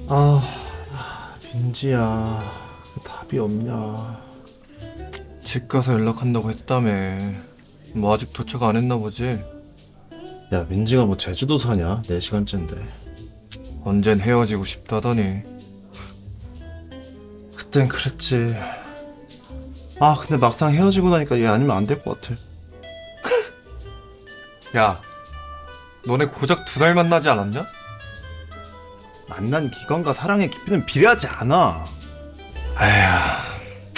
아, 민지야, 답이 없냐? 집 가서 연락한다고 했다며. 뭐 아직 도착 안 했나 보지? 야, 민지가 뭐 제주도 사냐? 4시간째인데. 언젠 헤어지고 싶다더니. 그땐 그랬지. 아, 근데 막상 헤어지고 나니까 얘 아니면 안 될 것 같아. 야, 너네 고작 2달 만나지 않았냐? 만난 기간과 사랑의 깊이는 비례하지 않아. 에휴.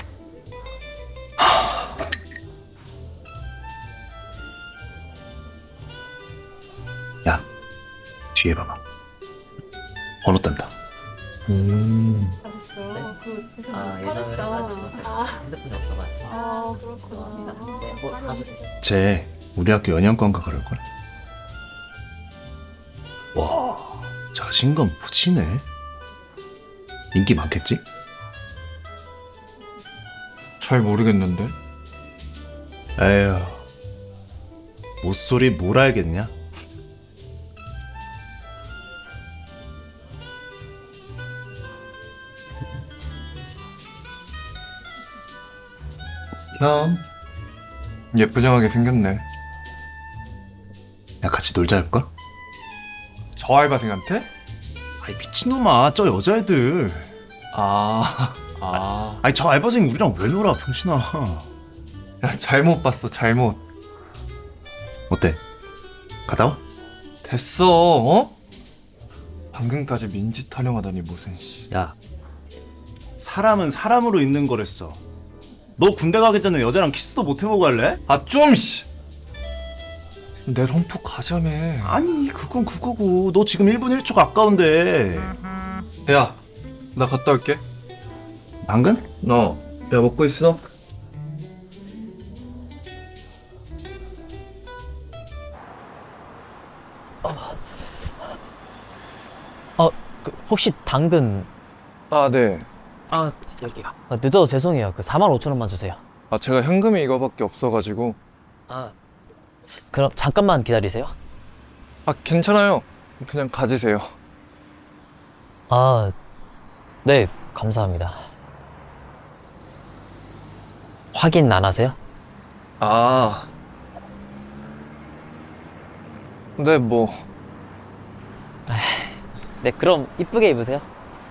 야, 뒤에 봐봐. 번호 딴다. 하셨어요? 네? 그거 진짜 아, 너무 예상을 잘하시다. 해가지고 제가 핸드폰이 없어가지고. 아, 그렇구나. 네, 뭐 아니, 하셨어요? 쟤 우리 학교 연영관가 그럴걸? 와, 자신감 무지네. 인기 많겠지? 잘 모르겠는데. 에휴, 모쏠이 뭘 알겠냐? 형, 예쁘장하게 생겼네. 야, 같이 놀자 할까? 저 알바생한테? 아이, 미친놈아, 저 여자애들. 아. 아니, 저 알바생 우리랑 왜 놀아, 병신아. 야, 잘못 봤어, 잘못. 어때? 갔다 와? 됐어, 어? 방금까지 민지 타령하다니 무슨 씨. 야, 사람은 사람으로 있는 거랬어. 너 군대 가기 전에 여자랑 키스도 못 해보고 갈래? 아, 좀 씨. 내 롬프 가자며. 아니, 그건 그거고. 너 지금 1분 1초 가까운데. 야, 나 갔다 올게. 당근? 너, 야, 먹고 있어? 혹시 당근 아, 네. 여기요. 늦어서 죄송해요. 45,000원만 주세요. 아, 제가 현금이 이거밖에 없어가지고. 아, 그럼 잠깐만 기다리세요. 아, 괜찮아요. 그냥 가지세요. 아, 네, 감사합니다. 확인 안 하세요? 아. 네, 뭐. 네, 그럼 이쁘게 입으세요.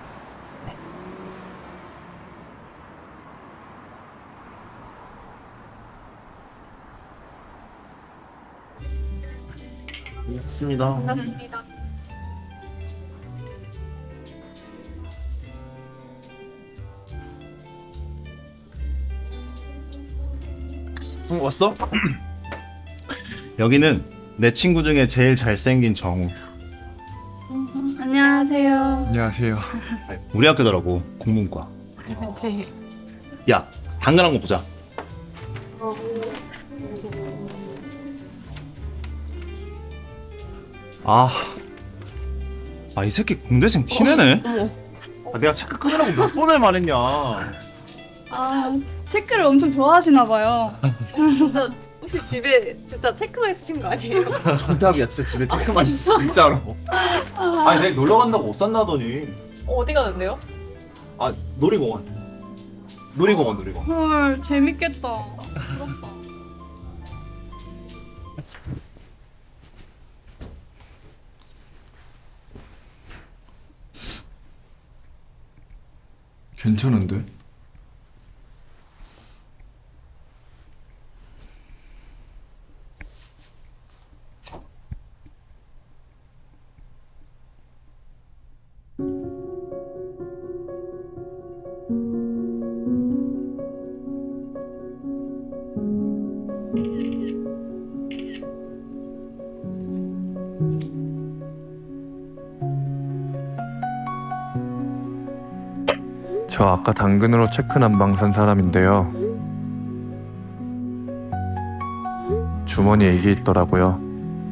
없습니다. 반갑습니다. 왔어? 여기는 내 친구 중에 제일 잘생긴 정우. 안녕하세요. 안녕하세요. 우리 학교더라고, 국문과. 네. 야, 당근 한 거 보자. 아, 이 새끼 공대생 티내네. 내가 체크 끊으라고 몇 번을 말했냐. 아, 체크를 엄청 좋아하시나 봐요. 진짜 혹시 집에 진짜 체크만 있으신 거 아니에요? 정답이야, 진짜 집에 체크만 있어, 진짜로. 아니, 내일 놀러 간다고 옷 산다더니. 어디 가는데요? 아, 놀이공원. 놀이공원. 헐, 재밌겠다. 부럽다. 괜찮은데? 저 아까 당근으로 체크 난방 산 사람인데요. 주머니에 이게 있더라고요.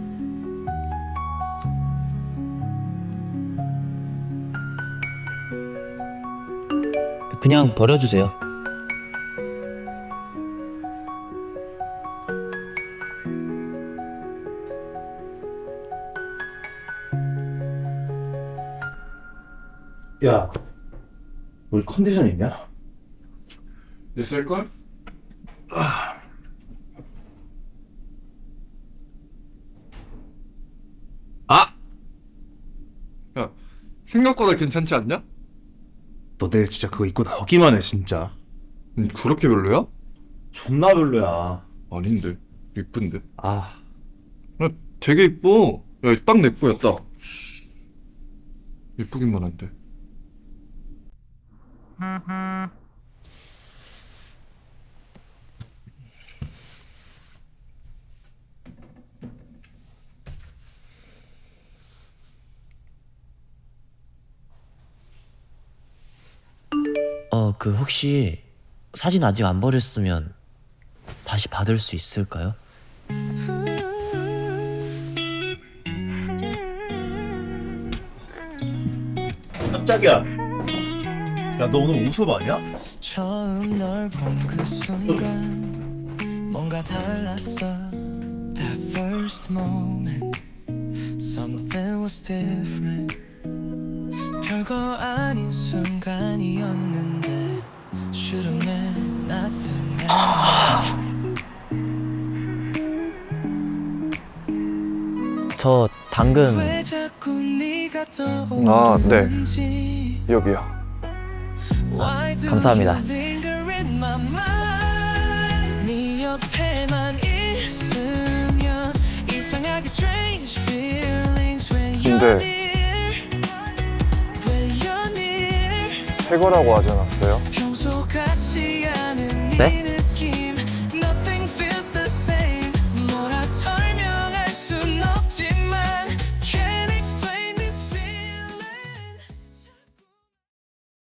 그냥 버려주세요. 야, 우리 컨디션 있냐? 있을걸? 아! 야, 생각보다 괜찮지 않냐? 너 내일 진짜 그거 입고 나오기만 해 진짜. 그렇게 별로야? 존나 별로야. 아닌데, 이쁜데. 아, 야, 되게 이뻐. 야, 딱 내 거야, 딱. 이쁘기만 한데. 그 혹시 사진 아직 안 버렸으면 다시 받을 수 있을까요? 깜짝이야. 야, 너 오늘 우습 아니야? 처음 널 본 그 순간 뭔가 달랐어. That first moment something was different. 별거 아닌 순간이었는데 Should have meant nothing else. 저 당근 왜 자꾸 네가 아, 네. 떠오르는지. 여기요. Why do 감사합니다. you linger in my mind? 네 옆에만 있으면 이상하게 strange feelings when you're 근데 near. When you're near. 새 거라고 하지 않았어요? 평소 같지 않은 네? 네